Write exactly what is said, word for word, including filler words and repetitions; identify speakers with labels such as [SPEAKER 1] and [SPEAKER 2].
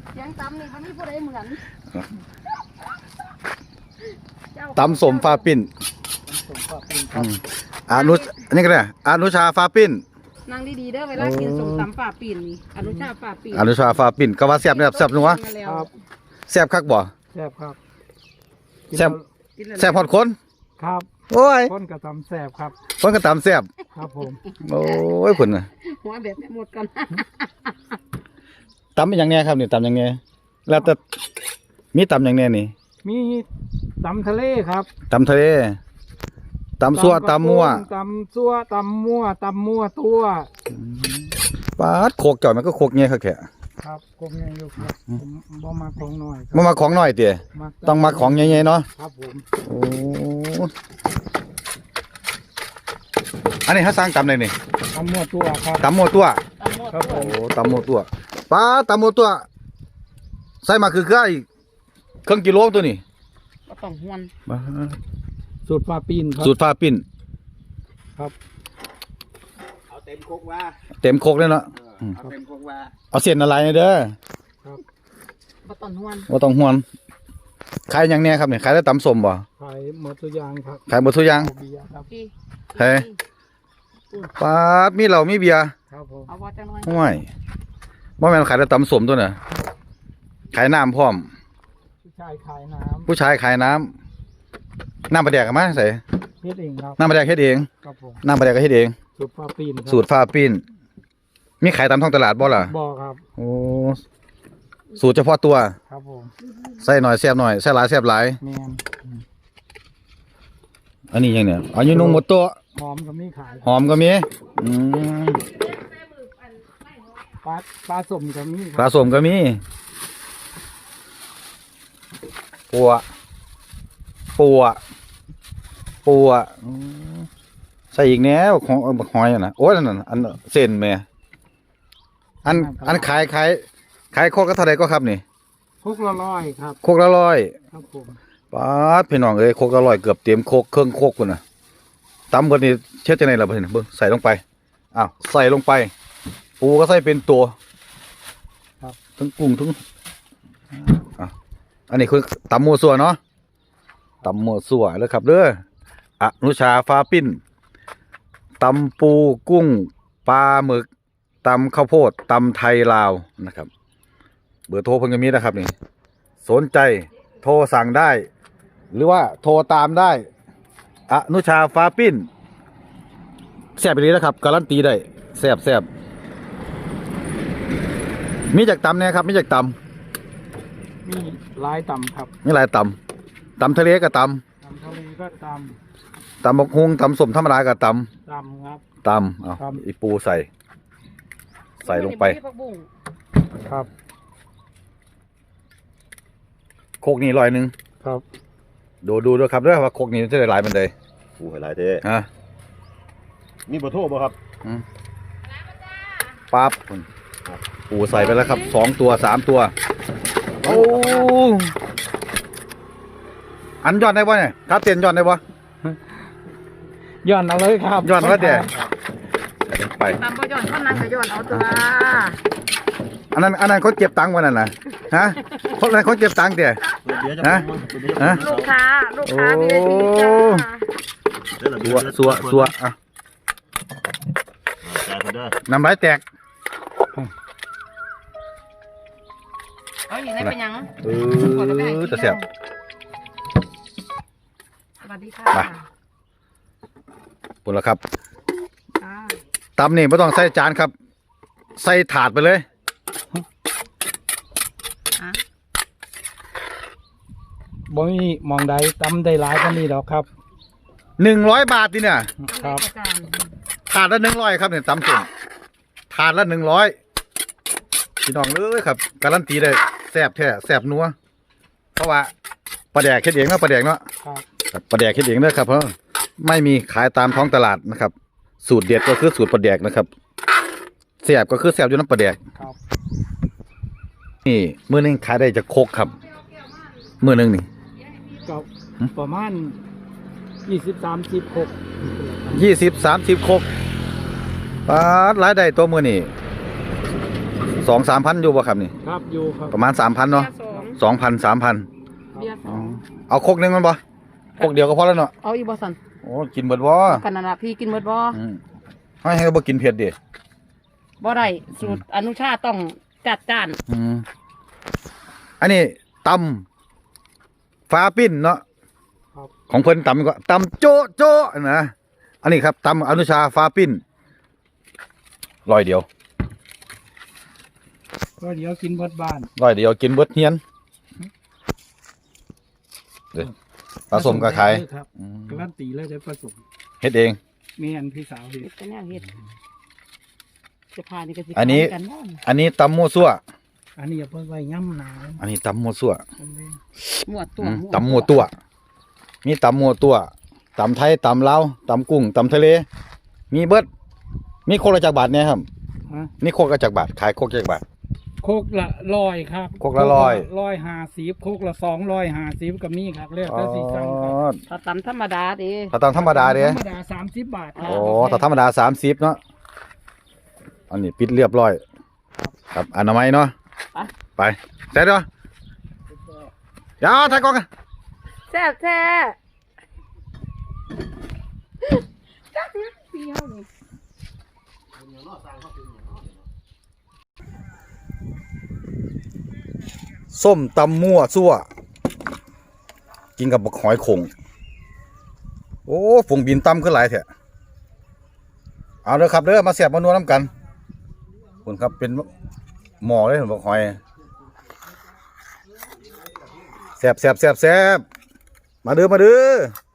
[SPEAKER 1] เสียงตำนี่มันมีผู้ใดเหมือน
[SPEAKER 2] ตำสมฟ้าปิ้นอนุอันนี้ก็ได้อนุชาฟ้าปิ้น
[SPEAKER 1] นั่งดีๆเด้อเวลากินสมตำฝ่าปีนนี่อนุชาฝ่าปีน
[SPEAKER 2] อนุชาฟ้าปิ้นก็ว่าแซ่บเนี่ยแซ่บนัวแซ่บคักบ่
[SPEAKER 3] แซ่บครับ
[SPEAKER 2] แซ่บแซ่บฮอดคน
[SPEAKER 3] ครับ
[SPEAKER 2] โอ้ย
[SPEAKER 3] คนกระตำแซ่บครับ
[SPEAKER 2] คนกระตำแซ่บ
[SPEAKER 3] ครับผม
[SPEAKER 2] โอ้ยคุณน่ะ
[SPEAKER 1] หัวแบบหมดกัน
[SPEAKER 2] ตำเป็นอย่างแน่ครับนี่ตำอย่างแน่แล้วแต่มีตำอย่างแน่นี่
[SPEAKER 3] มีตำทะเลครับ
[SPEAKER 2] ตำทะเลตำซัวตำมั่ว
[SPEAKER 3] ตำซัวตำมั่วตำมั่วตัว
[SPEAKER 2] ปาดโคกจ่อยมันก็โคกเงี้ยครับแค่
[SPEAKER 3] ครับโคกเงี้ยอยู่ครับผมบ่มาของหน่อย
[SPEAKER 2] บ่มาของหน่อยเตี๋ยต้องมาของใหญ่ๆเนาะ
[SPEAKER 3] ครับผม
[SPEAKER 2] โอ้อันนี้เขาสร้างตำเลยนี่
[SPEAKER 3] ตำมั่วตัวครับ
[SPEAKER 2] ตำมั่วตัว
[SPEAKER 3] ครับผม
[SPEAKER 2] โอ้ตำมั่วตัวป้าตำมั่วตัวใส่มาคือคืออีกเครื่องกิโลตัวนี้
[SPEAKER 1] ก็ต้องหวน
[SPEAKER 3] สูตรฟ้าปิ้นครับ
[SPEAKER 2] สูตรฟ้าปิ้น
[SPEAKER 3] ครับ
[SPEAKER 4] เอาเต็มโคกว่า
[SPEAKER 2] เต็มโคกเลยเนาะ
[SPEAKER 4] เอาเต็มโคกว่า
[SPEAKER 2] เอาเส้นอะไรเด้อ
[SPEAKER 3] ครับ
[SPEAKER 1] ก็ต้องหวน
[SPEAKER 2] ก็ต้องหวนขายอย่างเนี้ยครับเนี่ยขายได้ตำสมบ่
[SPEAKER 3] ขายหมดทุกอย่างครับ
[SPEAKER 2] ขายหมดทุกอย่างเฮ้ยป้าดมีเหล้ามีเบียร์
[SPEAKER 3] ครับผม
[SPEAKER 1] เอาว่าจังหน่อย
[SPEAKER 2] ห่วยบ่แม่นขายได้ตำสมตัวน่ะขายน้ำพร้อม
[SPEAKER 3] ผู้ชายขายน้ำ
[SPEAKER 2] ผู้ชายขายน้ำน้ำปลาแดกมาใส่
[SPEAKER 3] เฮ็ดเองครับ
[SPEAKER 2] น้ำปลาแดกเฮ็ดเอง
[SPEAKER 3] ครับผม
[SPEAKER 2] น้ำปลาแดกก็เฮ็ดเอง
[SPEAKER 3] สูตรฟ้าปิ้น
[SPEAKER 2] สูตรฟ้าปิ้นมีขายตามท้องตลาดบ่ล่ะ
[SPEAKER 3] บ่ครับ
[SPEAKER 2] โอ้สูตรเฉพาะตัว
[SPEAKER 3] ครับผม
[SPEAKER 2] ใส่หน่อยแซ่บหน่อยใส่หลายแซ่บหลาย
[SPEAKER 3] แม่น
[SPEAKER 2] อันนี้ยังเนี่ยอันนี้นุ่งหมดตัว
[SPEAKER 3] หอมก็มีขาย
[SPEAKER 2] หอมก็มีอืม
[SPEAKER 3] ปลาปลาสมก็มี
[SPEAKER 2] ปลาสมก็มีปัวปัวปัวใส่อีกแนวของหอยนะโอ้ยนั่นอันเส้นแม่อันอันขายขายขายโคกก็เท่าไรก็ครับนี่
[SPEAKER 3] โคกละร้อยครับ
[SPEAKER 2] โคกละร้อย
[SPEAKER 3] ครับผม
[SPEAKER 2] ป้าพี่น้องเอ้ยโคกละร้อยเกือบเต็มโคกเครื่องโคกคุณน่ะตำกันนี่เช็ดจะไหนล่ะเพื่อนเบิ้งใส่ลงไปอ้าวใส่ลงไปปูก็ใส่เป็นตัว
[SPEAKER 3] ครับ
[SPEAKER 2] ทั้งกุ้งทั้งอ่ะอันนี้คือตำมัวสัวเนาะตำมัวสัวเลยครับเด้ออนุชาฟ้าปิ้นตำปูกุ้งปลาหมึกตำข้าวโพดตำไทยลาวนะครับเบอร์โทรเพิ่งจะมีนะครับนี่สนใจโทรสั่งได้ หรือว่าโทรตามได้อนุชาฟ้าปิ้นแซ่บไปเลยนะครับการันตีได้แซ่บแซ่บมีจากตำเนี่ยครับมีจากต
[SPEAKER 3] ำมีลายตำครับ
[SPEAKER 2] มีหลายตำตำทะเลก็ต
[SPEAKER 3] ำตำทะเลก็ต
[SPEAKER 2] ำตำบกฮุงตำสมธรรมดาก็ต
[SPEAKER 3] ำตำครับ
[SPEAKER 2] ตำเอาอีปูใส่ใส่ลงไป
[SPEAKER 3] ครับ
[SPEAKER 2] โคกนี่ลอยหนึ่ง
[SPEAKER 3] ครับ
[SPEAKER 2] ดูดูด้วยครับด้วยว่าโคกนี้จะได้หลายมันเลย
[SPEAKER 4] ปูให้หลายเท่
[SPEAKER 2] ฮะ
[SPEAKER 4] มีเบอร์โทรบ่ครับ
[SPEAKER 2] ปั๊บปูใส่ไปแล้วครับสองตัวสามตัวโอ้อันยอดได้ป่ะเนี่ยครับเตียนยอดได้ป่ะ
[SPEAKER 3] ย้อนเอาเลยครับ
[SPEAKER 2] ย้อนแล้วเดี๋ยวไป
[SPEAKER 1] ตามบ่ย้อนเขานั่งก็ย้อนเอาตัว
[SPEAKER 2] อันนั้นอันนั้นเขาเก็บตังค์วันนั้นนะฮะคนนั้นเขาเก็บตังค์เดี๋ยวฮะ
[SPEAKER 1] ฮะลูกค้าลูกค้ามี
[SPEAKER 2] สัวสัวสัวอ่ะน้ำลายแตก
[SPEAKER 1] เอาอยู่ในเป็นยัง
[SPEAKER 2] เออจะเสียบ
[SPEAKER 1] สวัสดีค่ะ
[SPEAKER 2] ปุ่นแล้วครับตำนี่ไม่ต้องใส่จานครับใส่ถาดไปเลย
[SPEAKER 3] บ่มีมองใดตำได้หลายก็นี่ดอกครับ
[SPEAKER 2] หนึ่งร้อยบาทดิเนี่ย
[SPEAKER 3] ครับ
[SPEAKER 2] ถาดละหนึ่งร้อยครับเนี่ยตำส่วนถาดละหนึ่งร้อยพี่น้องเลยครับการันตีได้แซ่บแท้แซ่บนัวเพราะว่าปลาแดกเค็ดเองเนาะปลาแดกเนาะปลาแดกเค็ดเองเนาะครับเพราะไม่มีขายตามท้องตลาดนะครับสูตรเด็ดก็คือสูตรปลาแดกนะครับแซ่บก็คือแซ่บอยู่น้ำปลาแดกนี่มื้อนึงขายได้จะโคกครับมื้อนึงนี่
[SPEAKER 3] ก็ประมาณยี่สิบสามสิบโคก
[SPEAKER 2] ยี่สิบสามสิบโคกปลารายได้ตัวมื้อนี่สองสามพันอยู่บ่ครับนี่
[SPEAKER 3] ครับอยู่ครับ
[SPEAKER 2] ประมาณสามพันเนาะ
[SPEAKER 1] เบียร์สอง
[SPEAKER 2] สองพันสามพัน
[SPEAKER 1] เบียร์สอง
[SPEAKER 2] เอาครกหนึงมันบ่ครกเดียวก็พอแล้วเนาะ
[SPEAKER 1] เอาอีกบ่สัน
[SPEAKER 2] โอ้กินเบิดบ่
[SPEAKER 1] กันนั่นล่ะพี่กินหมดบ่
[SPEAKER 2] อืมให้ให้บ่กินเผ็ดดิ
[SPEAKER 1] บ่ได้สูตรอนุชาต้องจัดจ้าน
[SPEAKER 2] อืมอันนี้ตำฟ้าปิ้นเนาะ
[SPEAKER 3] ครับ
[SPEAKER 2] ของเพิ่นตำก็ตำโจ๊ะโจ๊ะนะอันนี้ครับตำอนุชาฟ้าปิ้นร้อยเดียว
[SPEAKER 3] ก็เดี๋ยวกินเบิดบ้าน
[SPEAKER 2] ร้อยเดียวกินเบิดเฮียนเด้อผสมกับขาย
[SPEAKER 3] ครับ
[SPEAKER 2] อืม
[SPEAKER 3] การันตีเลยได้ผสม
[SPEAKER 2] เฮ็ดเอง
[SPEAKER 3] แม่นพี่สาวเฮ็
[SPEAKER 1] เฮ็
[SPEAKER 3] ด
[SPEAKER 1] ดแต่แนวเฮ็ดจะพานี่ก็สิ
[SPEAKER 2] อันนี้
[SPEAKER 1] กันบ้าง
[SPEAKER 2] อันนี้ตำมั่วซั่ว
[SPEAKER 3] อันนี้อย่าเพิ่งไว้ย่ำหนาว
[SPEAKER 2] อันนี้ตำมั่วซั่ว
[SPEAKER 1] หมวดตัว
[SPEAKER 2] อืมตำมั่วตัว มีตำมั่วตัวตำไทยตำลาวตำกุ้งตำทะเล มีเบิดมีโคกละจักบาทเนี่ยครับ
[SPEAKER 3] ฮะ
[SPEAKER 2] นี่โคกละจักบาทขายโคกจักบาท
[SPEAKER 3] โคกละร้อยครับ
[SPEAKER 2] โคกละร้อย
[SPEAKER 3] ร้อยห้าสิบโคกละสองร้อยห้าสิบก็มีครับเรียก
[SPEAKER 2] อ๋อ
[SPEAKER 3] แต่สีสั่งครับ
[SPEAKER 1] ถ้าตำธรรมดาเด้
[SPEAKER 2] ถ้าตำธรรมดาเด้
[SPEAKER 3] ธรรมดาสามสิบบาทครับ
[SPEAKER 2] โอ้ถ้าธรรมดาสามสิบเนาะอันนี้ปิดเรียบร้อย ครับอนามัยเนาะไปเสร็จเนาะเดี๋ยวถ่ายกล้องกัน
[SPEAKER 1] แซ่บแท้จักนะพี่เฮานี่
[SPEAKER 2] ส้มตำมั่วซั่วกินกับบักหอยขงโอ้ฝงบินตำขึ้นหลายแท้เอาเด้อครับเด้อมาเสียบมานัวน้ำกันคุณครับเป็นหม้อเลยบักหอยแซ่บแซ่บแซ่บแซ่บมาเด้อมาเด้อ